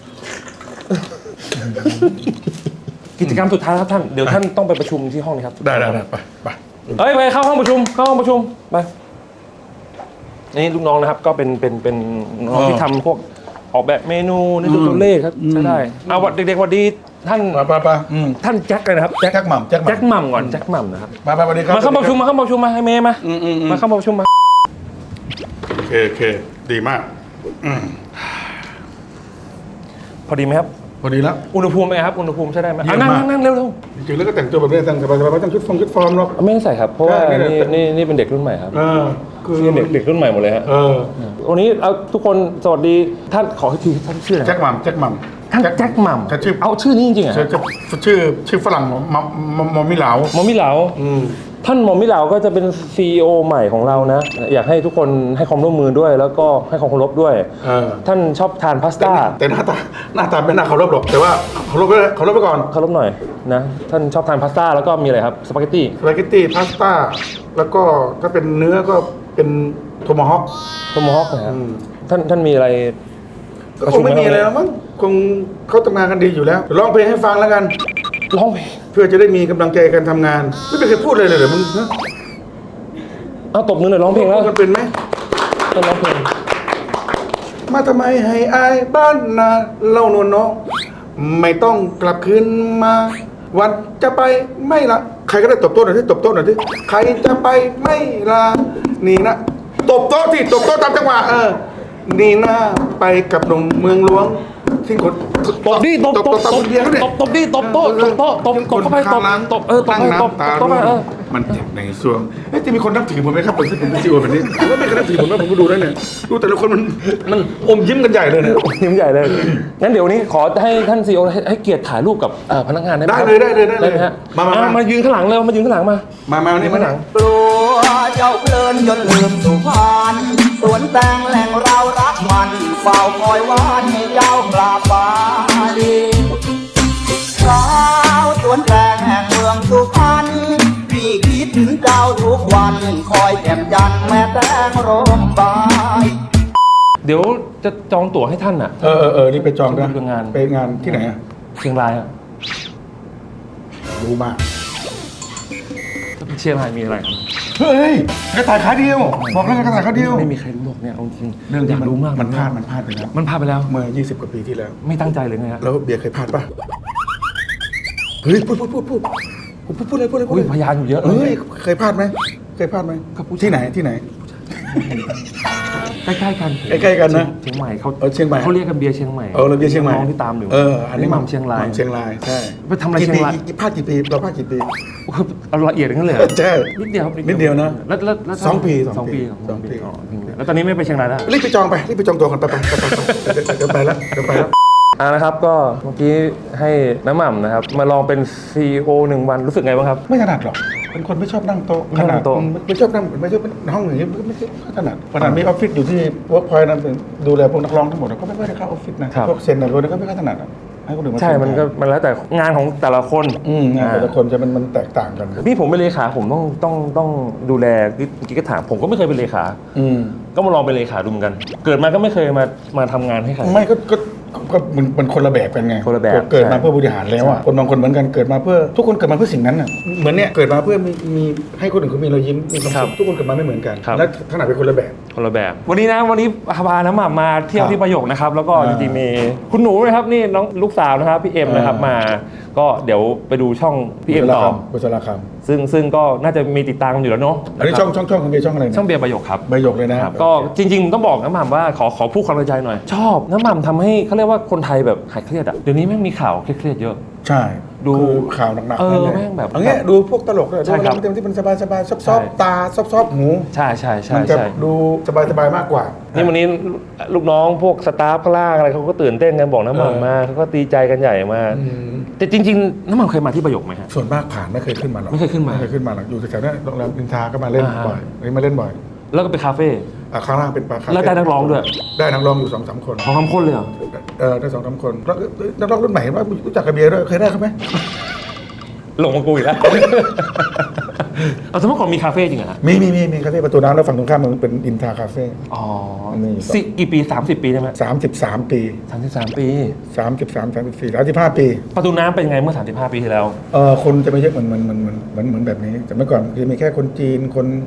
Speaker 2: กิจกรรมสุดท้ายครับท่านเดี๋ยวท่านต้องไปประชุมที่ห้องนี้ครับ
Speaker 3: ได้ได้ได้ไปไป
Speaker 2: เอ้ยไปเข้าห้องประชุมเข้าห้องประชุมไปนี่ลูกน้องนะครับก็เป็นเป็นเป็นน้องที่ทำพวกออกแบบเมนูในตัวเลขครับใช้ได้เอาวัดเด็กๆวัดดีท่าน
Speaker 3: ไปไปไปอืม
Speaker 2: ท่านแจ็คเลยนะครับ
Speaker 3: แจ็คหม่ำแจ็คหม่ำ
Speaker 2: แจ็คหม่ำก่อนแจ็คหม่ำนะครับ
Speaker 3: มาไปสวัสดีครับ
Speaker 2: มาเข้าประชุมมาเข้าประชุมมาให้เมย์มา
Speaker 3: อืมอืมอืม
Speaker 2: มาเข้าประชุมมา
Speaker 3: โอเคโอเคดีมากอืม
Speaker 2: พอดีไหมครับ
Speaker 3: พอดีแล้ว
Speaker 2: อุณหภูมิเป็นไงครับอุณหภูมิใช้ได้ไหม
Speaker 3: เยี่ย
Speaker 2: อ่ะ
Speaker 3: ม
Speaker 2: นั่ง
Speaker 3: มาก
Speaker 2: นั่งนั่งเร็วเร็ว
Speaker 3: จริงๆแล้วก็แต่งตัวแบบนี้แต่งสบายๆไม่ต้องชุดฟงชุดฟอร์มหรอก
Speaker 2: ไม่ต้องใส่ครับเพราะว่า
Speaker 3: ใช่นี่
Speaker 2: นี่
Speaker 3: แหละ
Speaker 2: นี่นี่เป็นเด็กรุ่นใหม่ครับ
Speaker 3: เออคือ
Speaker 2: นี่เด็กเด็กรุ่นใหม่หมดเลยฮะ
Speaker 3: เออ
Speaker 2: วันนี้เอาทุกคนสวัสดีท่านขอให้ทีท่านชื่ออะไร
Speaker 3: แจ็คหม่ำแจ็คหม่ำ
Speaker 2: ท่านแจ็คหม่
Speaker 3: แจ็คชื่อ
Speaker 2: ำเอาชื่อนี้จริงๆเหรอ
Speaker 3: ชื่อชื่อชื่อฝรั่งมอมมอมิเหลา
Speaker 2: หมอมิเหลา
Speaker 3: อืม
Speaker 2: ท่านหมอมิเหลาก็จะเป็น ซี อี โอ ใหม่ของเรานะ อยากให้ทุกคนให้ความร่วมมือด้วย แล้วก็ให้ความเคารพด้วย
Speaker 3: เออ
Speaker 2: ท่านชอบทานพาสต้า
Speaker 3: แต่หน้าตาหน้าตาไม่น่าเคารพหรอกแต่ว่าเคารพไปเลยเคารพไปก่อน
Speaker 2: เคารพหน่อยนะท่านชอบทานพาสต้าแล้วก็มีอะไรครับสปาเกตตี้
Speaker 3: สปาเกตตี้พาสต้าแล้วก็ถ้าเป็นเนื้อก็เป็นโทมาฮอค
Speaker 2: โทโมฮอคนะครับ
Speaker 3: อืม
Speaker 2: ท่านท่านมีอะไร
Speaker 3: ก็คงไม่มีอะไรแล้วมั้งคงเขาทำงานกันดีอยู่แล้วร้องเพลงให้ฟังแล้วกัน
Speaker 2: ร้องเพลง
Speaker 3: เพื่อจะได้มีกำลังใจการทำงาน ไม่เป็นใครพูดเลยเลยเหรอมึงฮะ
Speaker 2: เอาตบมือหน่อยร้องเพลงแล้ว
Speaker 3: มันเป็นไหม
Speaker 2: ท่านร้องเพลง
Speaker 3: มาทำไมให้อายบ้านนาเล่านวลน้องไม่ต้องกลับคืนมา วันจะไปไม่ละใครก็ได้ตบโต๊ะหน่อยที่ตบโต๊ะหน่อยที่ใครจะไปไม่ลานี่นะตบโต๊ะที่ตบโต๊ะตามจังหวะเออนี่นะไปกับหนุ่มเมืองหลวงที่คน
Speaker 2: ตบดิตบตบ
Speaker 3: ตบ
Speaker 2: ตบ
Speaker 3: เบียร์เขาดิ
Speaker 2: ตบตบดิตบโต๊ะตบโต๊ะตบตบเข้าไปตบตบเออตบ
Speaker 3: ตั้ง
Speaker 2: ไปตบ
Speaker 3: น้ำตา
Speaker 2: ตบไปเออ
Speaker 3: มันเจ็บในสวงเอ้ยจะมีคนนับถือผมไหมครับผมที่ผมเป็นซีโอแบบนี้ผมว่าไม่เคยนับถือผมนะผมก็ดูแล้วเนี่ยดูแต่ละคนมันมันอมยิ้มกันใหญ่เลยเนี่ย
Speaker 2: ยิ้มใหญ่เลย งั้นเดี๋ยวนี้ขอให้ท่านซีโอให้ให้เกียรติถ่ายรูปกับเอ่อพนักงานได้ไหมครับ
Speaker 3: ได้เลยได้เลยได้เลย
Speaker 2: ไหมฮะ
Speaker 3: มามา
Speaker 2: อ่ะ
Speaker 3: มา
Speaker 2: มายืนข้างหลังเร็วมายืนข้างหลังมา
Speaker 3: มามานี่มาหนัง
Speaker 5: กลัวเจ้าเพลินจนลืมสุพรรณสวนแตงแหล่งเรารักมันเฝ้าคอยวานให้เจ้ากราบฟ้าดีสาวสวนแตงแห่งเมืองสุพรรณพี่คิดถึงเจ้าทุกวันคอยแจ่มจันทร์แม่แตงร่มบาย
Speaker 2: เดี๋ยวจะจองตั๋วให้ท่านอ่ะ
Speaker 3: เออเออเออนี่ไปจองนะ
Speaker 2: ไปงาน
Speaker 3: ไปงานที่ไหนอะ
Speaker 2: เชียงรายอ่ะ
Speaker 3: รู้มาก
Speaker 2: เชียงรายมีอะไรครับ
Speaker 3: เฮ้ยกระต่ายขาเดียวบอกแล้วกระต่ายขาเดียว
Speaker 2: ไม่มีใครรู้หรอกเนี่ยเอาจริง
Speaker 3: เรื่อง
Speaker 2: อ
Speaker 3: ที่
Speaker 2: ยาก
Speaker 3: มัน
Speaker 2: รู้มาก
Speaker 3: มันพลาดมันพลาดไปแล้ว
Speaker 2: มันพลาดไปแล้ว
Speaker 3: เมื่อยี่สิบกว่าปีที่แล้ว
Speaker 2: ไม่ตั้งใจเลยไงฮะ
Speaker 3: แล้วเบียร์เคยพลาดปะเฮ้ยพูดพูดพูดพูดพูดพูดพูดเลยพูดเลยพูด
Speaker 2: อุ้ย
Speaker 3: เลย
Speaker 2: พยานอยู่เยอะเล
Speaker 3: เฮ้ย
Speaker 2: ย
Speaker 3: เคยพลาดไหมเคยพลาดไหม
Speaker 2: ครับผู้ชาย
Speaker 3: ที่ไหนที่ไหน
Speaker 2: ใกล้ๆกัน
Speaker 3: ใกล้ๆกันนะ
Speaker 2: เชียงใหม่เขา
Speaker 3: เออเชียงใหม่
Speaker 2: เขาเรียกกันเบียร์เชียงใหม่
Speaker 3: เออเราเบียร์เชียงใหม่
Speaker 2: น้องที่ตามอยู่
Speaker 3: เอออันนี้
Speaker 2: หม่ำเชียงราย
Speaker 3: หม่ำเชียงรายใช่
Speaker 2: ไปทำอะไรเชียงราย
Speaker 3: กี่ปีกี่พลาดกี่ปีเราพลาดกี่ปี
Speaker 2: เอาละเอียดอย่างนั้นเลยเหรอ
Speaker 3: ใช่
Speaker 2: นิดเดียวครับ
Speaker 3: นิดเดียวนะ
Speaker 2: แล้วแล้วแล้ว
Speaker 3: สองปี
Speaker 2: สองปี
Speaker 3: สองปี
Speaker 2: อ๋อแล้วตอนนี้ไม่ไปเชียงรายแล้ว
Speaker 3: รีบไปจองไปรีบไปจองตัวกันไปไปไปไปไปเดี๋ยวไปแล้วเดี๋ยวไปแล้ว
Speaker 2: อ่านะครับก็เมื่อกี้ให้น้ำหม่ำนะครับมาลองเป็น ซี อี โอ หนึ่งวันรู้สึกไงบ้างครับ
Speaker 3: ไม่ถนัดหรอกเป็นคนไม่ชอบนั่งโต๊ะ
Speaker 2: ไม่ชอบนั่งโต๊ะ
Speaker 3: ไม่ชอบนั่งไม่ชอบห้องอย่างนี้ไม่ไม่ไม่ถนัดขนาดมีออฟฟิศอยู่ที่เวิร์กพอยต์นั้นดูแลพวกนักร้องทั้งหมดก็ไม่ค่อยได้เข้าออฟฟิศนะพวกเซ็นอะไรพวกนี้ก็ไม่ค่อยถนัดอะให้คนอื่นมา
Speaker 2: ใช่มันก็มันแล้วแต่งานของแต่ละคน
Speaker 3: อืมงานแต่ละคนจะมันมันแตกต่างกัน
Speaker 2: นี่ผมเป็นเลขาผมต้องต้องต้องดูแลเมื่อกี้ก็ถามผมก็ไม่เคยเป็นเลขา
Speaker 3: อืม
Speaker 2: ก็มาลองเป็นเลขาดูเหมือนกัน เกิดมาก็ไม่เคยมามาทำงานให้ใคร
Speaker 3: ไม่ก็ก็ก็มันมันคนละแบบกันไง
Speaker 2: คนละแบบ
Speaker 3: เกิดมา
Speaker 2: ใช่
Speaker 3: เพื่อบริหารแล้วอ่ะคนบางคนเหมือนกันเกิดมาเพื่อทุกคนเกิดมาเพื่อสิ่งนั้นอ่ะเหมือนเนี้ยเกิดมาเพื่อมีมีให้คนอื่นเขามีรอยยิ้มมีความ
Speaker 2: ครั
Speaker 3: สุ
Speaker 2: บ
Speaker 3: ขทุกคนเกิดมาไม่เหมือนกัน
Speaker 2: ครับ
Speaker 3: และขนาดเป็นคนละแบบ
Speaker 2: คนละแบบ วันนี้นะวันนี้พาน้ำหม่ำมาเที่ยว
Speaker 3: ครับ
Speaker 2: ที่ประโยคนะครับ แล้วก็
Speaker 3: อ่า
Speaker 2: จริงๆมีคุณหนูนะครับนี่น้องลูกสาวนะครับพี่เอ็มนะครับ
Speaker 3: อ่าม
Speaker 2: มา ก็เดี๋ยวไปดูช่องพี่เอ็มต่อ
Speaker 3: บุษราค
Speaker 2: ซึ่งซึ่งก็น่าจะมีติดตามกันอยู่แล้วเนาะ
Speaker 3: ำอันนี้ช่องช่องช่องของเบียร์ช่องอะไรนะ
Speaker 2: ช่องเบียร์ประโยคครับ
Speaker 3: ใบหยกเลยนะครับ
Speaker 2: ก็จริงๆต้องบอกน้ำหม่ำว่าขอขอพูดความในใจหน่อย ชอบน้ำหม่ำทำให้เขาเรียกว่าคนไทยแบบหายเครียดอ่ะเดี๋ยวนี้แม่งมีข่าวเครียดๆเยอะ
Speaker 3: ใช่
Speaker 2: ดู
Speaker 3: คือข่าวหนักๆ
Speaker 2: เออ
Speaker 3: นั่นหละ
Speaker 2: แม่งแบบ
Speaker 3: เอางี้ดูพวกตลกเลย
Speaker 2: ใช่ครับ
Speaker 3: ดูอะไรที่มันสบายๆซอฟ
Speaker 2: ใช่
Speaker 3: ๆตาซอฟๆหู
Speaker 2: ใช่ใช่ใช่
Speaker 3: มันจะ
Speaker 2: ใช่
Speaker 3: ดูสบายๆมากกว่า
Speaker 2: นี่วันนี้ลูกน้องพวกสตาฟข้างล่างอะไรเขาก็ตื่นเต้นกันบอกน้ำหม่ำมาเขาก็ตีใจกันใหญ่มา
Speaker 3: อืม
Speaker 2: แต่จริงๆน้ำหม่ำเคยมาที่ประโยคไหมฮะ
Speaker 3: ส่วนมากผ่านไม่เคยขึ้นมาหรอก
Speaker 2: ไม่เคยขึ้นมา
Speaker 3: ไม่เคยขึ้นมาหรอกอยู่แถวๆนั้นโรงแรมอินทราก็มาเล่น
Speaker 2: อ่า
Speaker 3: บ่อยนี่มาเล่นบ่อย
Speaker 2: แล้วก็ไปคาเฟ่
Speaker 3: อ่ะข้างล่างเป็นปลาคาเฟ่
Speaker 2: แล้วได้นักร้องด้วย
Speaker 3: ได้นักร้องอยู่สองสามคน
Speaker 2: ของคำคนเลยเหรอ
Speaker 3: เออได้สองสามคนแล้วนักร้องรุ่นใหม่เห็นว่ารู้จักกับเบียร์ด้วยเคยได้เขาไหม
Speaker 2: หลงมากูอีกแล้ว เอาสมมติก่อนมีคาเฟ่จริงเหรอฮะ
Speaker 3: มีมีมีมีคาเฟ่ประตูน้ำแล้วฝั่งตรงข้ามมันเป็นอินทราคาเฟ่
Speaker 2: อ๋อ
Speaker 3: มี
Speaker 2: สิกี่ปีสามสิบปีได้ไหม
Speaker 3: สามสิบสามปี
Speaker 2: สามสิบสามปี
Speaker 3: สามสิบสามสามสิบสี่สามสิบห้าปี
Speaker 2: ประตูน้ำเป็นยังไงเมื่อสามสิบห้าปีที่แล้ว
Speaker 3: เออคนจะไม่เยอะเหมือนเหมือนเหมือนเหมือนเหมือนเหมือนแบบนี้แต่เมื่อก่อนคือมีแค่คนจีนคนค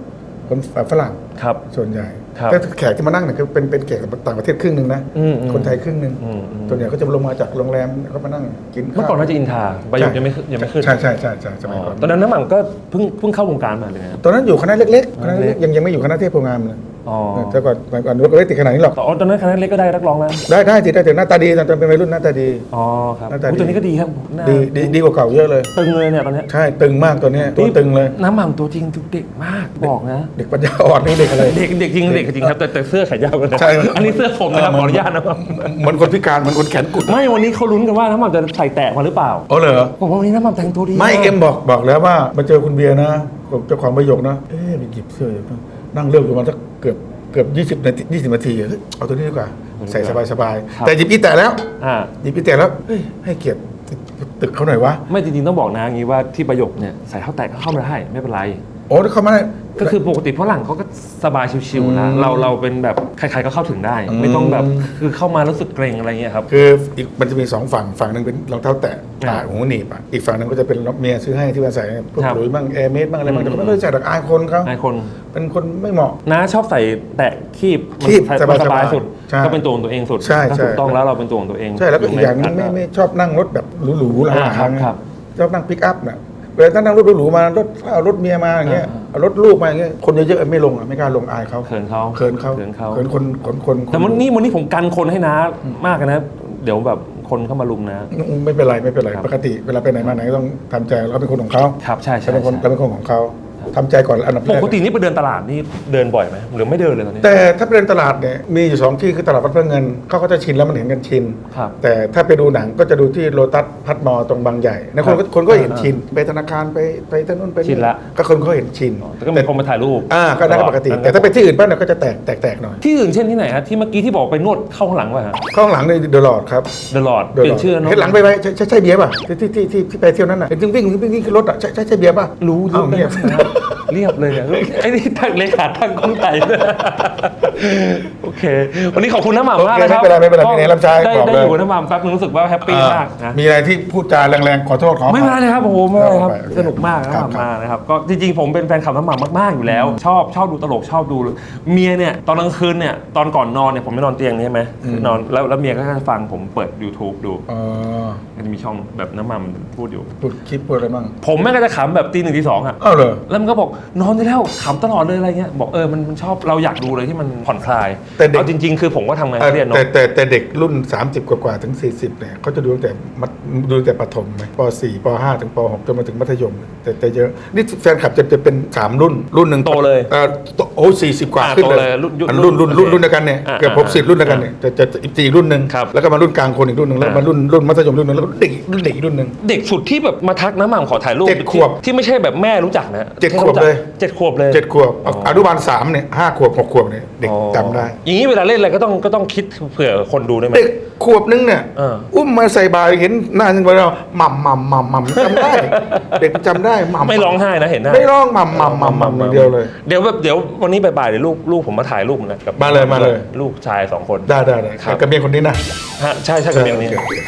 Speaker 3: คนฝรั่ง
Speaker 2: ครับ
Speaker 3: ส่วนใหญ่
Speaker 2: ครับ
Speaker 3: แต่แขกที่มานั่งเนี่ยคือเป็นเป็นแขกต่างประเทศครึ่งหนึ่งนะ
Speaker 2: อืมอืม
Speaker 3: คนไทยครึ่งหนึ่ง
Speaker 2: อืมอืม
Speaker 3: ส่วนใหญ่ก็จะลงมาจากโรงแรมก็มานั่งกินข้าว
Speaker 2: เมื่อก่อนน่าจะอินทาใบหยกยังไม่ขึ้นยังไม่ขึ้น
Speaker 3: ใช่ใช่ใช่ใช่สมัย
Speaker 2: อ๋อ
Speaker 3: ก่อน
Speaker 2: ตอนนั้นน้ำหม่ำก็เพิ่งเพิ่งเข้าวงการมาเลยนะครับ
Speaker 3: ตอนนั้นอยู่คณะเล็กๆคณะ
Speaker 2: เล็
Speaker 3: เล็
Speaker 2: ก
Speaker 3: กๆยังยังไม่อยู่คณะเทพโพงามเลย
Speaker 2: อ๋อ
Speaker 3: แต่ก่อนแต่ก่อนก็ไม่ติดขนาดนี้หรอก
Speaker 2: อ๋อตอนนั้นคณะเล็กก็ได้นักร้องแล้ว
Speaker 3: ได้ได้สิได้แต่หน้าตาดีตอนเป็นวัยรุ่นหน้าตาดี
Speaker 2: อ๋อครับ
Speaker 3: หน้าตาดี
Speaker 2: อุ๊ยตัวนี้ก็ดีครับหน้า
Speaker 3: ดีดีดีกว่าเก่าเยอะเลย
Speaker 2: ตึงเลยเนี่ยตอนเนี้ย
Speaker 3: ใช่ตึงมากตัวเนี้ยตัวตึงเลย
Speaker 2: น้ำหม่ำตัวจริงทุกเด็กมากบอกนะ
Speaker 3: เด็กปัญญาอ่อนนี่เด็กอะไร
Speaker 2: เด็กเด็กจริงเด็กจริงครับแต่แต่เสื้อขายาวกันนะ
Speaker 3: ใช่
Speaker 2: อันนี้เสื้อผมนะครับขออนุญาตนะครับ
Speaker 3: เหมือนคนพิการเหมือนคนแขนกุด
Speaker 2: ไม่วันนี้เขาลุ้นกันว่าน้ำหม่ำจะใส่แตะมาหรือเปล่า
Speaker 3: อ๋อเหรอ
Speaker 2: บอกว่าวันนี้น้ำหม่ำแต่งตัวดี
Speaker 3: ไม่เอ็มบอกบอกแล้วว่ามาเจอคุณเบียร์นะเจ้าของประโยคนะเอ๊ะไปหยิบเสื้ออยู่นั่งเลือกอยู่มาสักเกือบเกือบยี่สิบนาทียี่สิบนาทีเฮ้ยเอาตัวนี้ดีกว่าใส่สบายสบายๆแต่หยิบอีแต่แล้ว
Speaker 2: อ่า
Speaker 3: หยิบอีแต่แล้วเฮ้ยให้เกียรติตึกเขาหน่อยวะ
Speaker 2: ไม่จริงๆต้องบอกนะอย่างนี้ว่าที่ประโยคเนี่ยใส่เท้าแตะก็เข้ามาได้ไม่เป็นไร
Speaker 3: โอ้ถ้าเขามาได้
Speaker 2: ก็คือปกติฝรั่งเขาก็สบายชิวๆนะ
Speaker 3: อืม
Speaker 2: เราเราเป็นแบบใครๆก็เข้าถึงได้
Speaker 3: อืม
Speaker 2: ไม่ต้องแบบคือเข้ามารู้สึกเกรงอะไรเงี้ยครับ
Speaker 3: คืออีกมันจะมีสองฝั่งฝั่งหนึ่งเป็นรองเท้าแตะ
Speaker 2: อ่า
Speaker 3: ตาหูหนีบอ่ะอีกฝั่งหนึ่งก็จะเป็นเมียซื้อให้ที่ว่าใส่พวก
Speaker 2: ครับ
Speaker 3: หลุยส์บ้างแอร์เมสบ้างอะไรบ้าง
Speaker 2: อืม
Speaker 3: แต่ก็ไม่ได้ใส่ดอกอายคนเขา
Speaker 2: นายคน
Speaker 3: เป็นคนไม่เหมาะ
Speaker 2: น้าชอบใส่แตะคีบมัน
Speaker 3: คีบ
Speaker 2: ใส่
Speaker 3: สบายๆ
Speaker 2: สบายสุด
Speaker 3: ใช่
Speaker 2: ก็เป็นตัวของตัวเองสุด
Speaker 3: ใช่
Speaker 2: ถ้า
Speaker 3: ใช่
Speaker 2: ถูกต้องแล้วเราเป็นตัวของตัวเอง
Speaker 3: ใช่แล้วก็อีกอย่างหนึง
Speaker 2: ใน
Speaker 3: ไม่
Speaker 2: การ
Speaker 3: ไม่ชอบนั่งรถแบบหรูๆหลัง
Speaker 2: อ่าครับ
Speaker 3: ๆ
Speaker 2: ครับ
Speaker 3: ชอบนั่งปิกอัพน่ะเวลาถ้านั่งรถหรูๆมารถเอารถเมียมาอย่างเงี้ย
Speaker 2: อ่า
Speaker 3: เอารถลูกมาอย่างเงี้ยคนเยอะๆไม่ลงอ่ะไม่กล้าลงอายเขา
Speaker 2: เขินเขา
Speaker 3: เขินเขา
Speaker 2: เขินเขา
Speaker 3: เขินคนคนคนค
Speaker 2: แต่วันนี้วันนี้ผมกันคนให้น้ามากนะ เดี๋ยวแบบคนเข้ามาลุมนะ
Speaker 3: ไม่เป็นไรไม่เป็นไร
Speaker 2: ครับ
Speaker 3: ปกติเวลาไปไหนมาไหนก็ต้องทำใจเราเป็นคนของเขา
Speaker 2: ครับใช่ใช่
Speaker 3: เราเป็นคน
Speaker 2: ใช่
Speaker 3: เราเป็นคนของเขาทำใจก่อนอันดับแร
Speaker 2: ป
Speaker 3: ก
Speaker 2: กตินี่ไปเดินตลาดนี่เดินบ่อยไหมหรือไม่เดินเลยตอนนี้
Speaker 3: แต่ถ้าเป็นตลาดเนี่ยมีอยู่สองที่คือตลาดวัดพระเงินเขาก็จะชินแล้วมันเห็นกันชิน
Speaker 2: ครับ
Speaker 3: แต่ถ้าไปดูหนังก็จะดูที่โลตัสพัดมอตรงบางใหญ่นะคนก็คนก็เห็นชินไปธนาคารไปไปถนนไป
Speaker 2: ชินละ
Speaker 3: ก็คนก็เห็นชิน
Speaker 2: แต่ก็มีคนมาถ่ายรูป
Speaker 3: อ่าก็ได้ก็ปกติ แต่ถ้าไปที่อื่นบ้างเนี่ยก็จะแตกแตกแตกหน่อย
Speaker 2: ที่อื่นเช่นที่ไหนฮะที่เมื่อกี้ที่บอกไปนวดเข้าข้างหลังป่ะฮะ
Speaker 3: ข้างหลังในเดอะลอดครับ
Speaker 2: เดอะลอดเปลี่ยนชื่อแล้วเนาะ
Speaker 3: เห็นหลังไปไปใช่ใช่ใช่เบียร์ป่ะที่ที่ที่ที่ที่ไปเที่ยวนั้นน่ะเห็นวิ่งวิ่งวิ่งวิ่งขึ้นรถอ่ะใช่ใช่ใช่เบียร์ป่ะ
Speaker 2: รู้เย
Speaker 3: เอ้า
Speaker 2: อะ
Speaker 3: เงียบ
Speaker 2: นะเรียบเลยเนี่ยไอ้นี่ทางเลขาทางกองไก่โอเค วันนี้ขอบคุณน้ำหม่ำมากนะครับ
Speaker 3: ไม่เป็นไรไม่เป็นไรไม่เป็นไรรับใช้
Speaker 2: ได้
Speaker 3: บอก
Speaker 2: ได้
Speaker 3: เลย
Speaker 2: อยู่กับน้ำหม่ำแป๊บนึงรู้สึกว่าแฮปปี้มากนะ
Speaker 3: มีอะไรที่พูดจาแรงๆขอโทษขอ
Speaker 2: ไม่เป็นไรเลยครับโอ้โหไม่เป็นไรครับ
Speaker 3: โอเค
Speaker 2: สนุกมากน้ำหม่ำ
Speaker 3: ครับ
Speaker 2: มานะครับก็จริงๆผมเป็นแฟนคลับน้ำหม่ำมากๆอยู่แล้ว ชอบชอบดูตลกชอบดูเมียเนี่ยตอนกลางคืนเนี่ยตอนก่อนนอนเนี่ยผมไม่นอนเตียงนี้ใช่ไหมนอนแล้วแล้วเมียก็จะฟังผมเปิด YouTube ดู
Speaker 3: อ๋อ
Speaker 2: มันจะมีช่องแบบน้ำหม่ำพูดอยู่
Speaker 3: พูดคลิปพูดอะไรบ้าง
Speaker 2: ผมแม่งก็จะขำแบบตีหนึ่งตีสองอ่ะ
Speaker 3: อ้าวเหรอ
Speaker 2: แล้วมันก็บอกนอนได้แล้วขำตลอดเลยอะไรเงี้ยบอกเออมันมันชอบเราอยากดูเลยที่มันผ่อนคลาย
Speaker 3: แต่เด็ก
Speaker 2: เอาจริง ๆ คือผมก็ทำงาน
Speaker 3: แต่
Speaker 2: เครียดเนาะ
Speaker 3: แต่แต่แต่เด็กรุ่น สามสิบ กว่าๆถึง สี่สิบเนี่ยเขาจะดูตั้งแต่มัธดูตั้งแต่ประถมไหมป สี่ ป ห้า ถึงป หก จนมาถึงมัธยม แต่แต่เยอะ นี่แฟนคลับจะจะเป็น สาม รุ่น รุ่นหนึ่ง
Speaker 2: โตเลย
Speaker 3: อ่าโตโอ้สี่สิบ กว่า
Speaker 2: อ่า
Speaker 3: ขึ้น
Speaker 2: โต
Speaker 3: เล
Speaker 2: เลย ยรุ่นยุค
Speaker 3: อันรุ่นรุ่นรุ่น
Speaker 2: โอเค
Speaker 3: รุ่นเดียวกันเนี่ย
Speaker 2: อ่า
Speaker 3: เกือบ
Speaker 2: อ่า
Speaker 3: หกสิบรุ่นเดียวกันเนี่ยจะจะจะอีกสี่รุ่นหนึ่ง
Speaker 2: ครับ
Speaker 3: แล้วก็มารุ่นกลางคนอีกรุ่นหนึ่งแล้ว
Speaker 2: อ่าม
Speaker 3: มารุ่นรุ่นมัธยมรุ่นหนึ่งแล้วก็เด็กรุ่นเด็กอีกรุ่นหนึ่ง
Speaker 2: เด็กสุดที่แบบมาทักน้ำหม่ำขอถ่ายรูป
Speaker 3: เจ็ดขวบ
Speaker 2: ที่ที่ไม่ใช่แบบแม่รู้จักนะ
Speaker 3: เจ็ด
Speaker 2: ที่
Speaker 3: ขวบ
Speaker 2: รู้จัก
Speaker 3: เลย
Speaker 2: เจ็ดขวบเลย
Speaker 3: เจ็ดขวบอนุบาลสามเนี่ยห้าขวบหกขวบเนี่ยเด็ก
Speaker 2: อ๋อ
Speaker 3: จำได้
Speaker 2: อย่างนี้เวลาเล่นอะไรก็ต้องก็ต้องคิดเผื่อคนดูได้ไหม
Speaker 3: เด็กขวบนึงเนี่ย
Speaker 2: เออ
Speaker 3: อุ้มมาใส่บาตรเห็นหน้าจริงๆเราหม่ำหม่ำหม่ำหม่ำจำได้ เด็กจำได้หม่ำ
Speaker 2: ไม่ร้องไห้นะเห็นหน้า
Speaker 3: ไม่ร้องหม่ำหม่ำหม่ำหม่ำอย่างเดียวเลย
Speaker 2: เดี๋ยวแบบเดี๋ยววันนี้บ่ายๆเดี๋ยวลูกลูกผมมาถ่ายรูปนะกับ
Speaker 3: มาเลยมาเลย
Speaker 2: ลูกชายสองคน
Speaker 3: ได้ได้ได้
Speaker 2: ครับ
Speaker 3: กับเมียคนนี้นะ
Speaker 2: ฮะใช่ใช่กับเมียนี้
Speaker 3: โอเค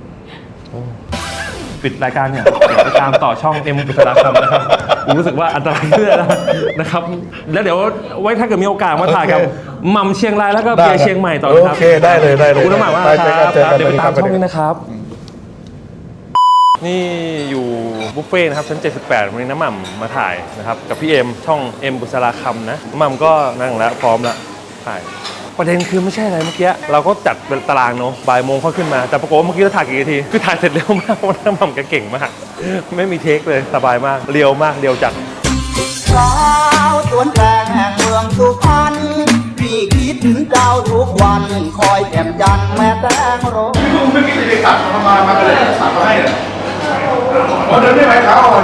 Speaker 2: ปิดรายการเนี่ยเดี๋ยวไปตามต่อช่องเอ็มบุษราคำนะครับผมรู้สึกว่าอันตรายเรื่อยแล้วนะครับ แล้วเดี๋ยวไว้ถ้าเกิดมีโอกาสมาถ่ายกับหม่ำเชียงรายแล้วก็เบียร์เชียงใหม่ต่อนะครับ
Speaker 3: โอเคได้เลยได้เลย
Speaker 2: ขอบคุณน้ำหม่ำมาก
Speaker 3: ไป
Speaker 2: ค
Speaker 3: เจอ
Speaker 2: รั
Speaker 3: กับ นเจอกัน
Speaker 2: เดี๋ยวไปตาม
Speaker 3: สวัสดีครับ
Speaker 2: ช่องนี้นะครับ นี่อยู่บุฟเฟ่ต์นะครับชั้นเจ็ดสิบแปดวันนี้น้ำหม่ำมาถ่ายนะครับกับพี่เอ็มช่องเอ็มบุษราคำนะน้ำหม่ำก็นั่งแล้วพร้อมแล้วถ่ายประเด็นคือไม่ใช่อะไรเมื่อกี้เราก็จัดเป็นตารางเนาะบ่ายโมงเขาขึ้นมาแต่ปรากฏว่าเมื่อกี้เราถ่ายกี่นาทีคือถ่ายเสร็จเร็วมากเพราะว่าน้ำหม่ำแกเก่งมากไม่มีเทคเลยสบายมากเรียวมากเรียวจัด
Speaker 5: สาวสวนแตงแห่งเมืองสุพรรณพี่คิดถึงเจ้าทุกวัน คอยแจ่มจันทร์แม่แตงโร
Speaker 3: ไม่คิดจะตัดมามามาเลยตัดมาให้เลยเดินได้ไหมครับ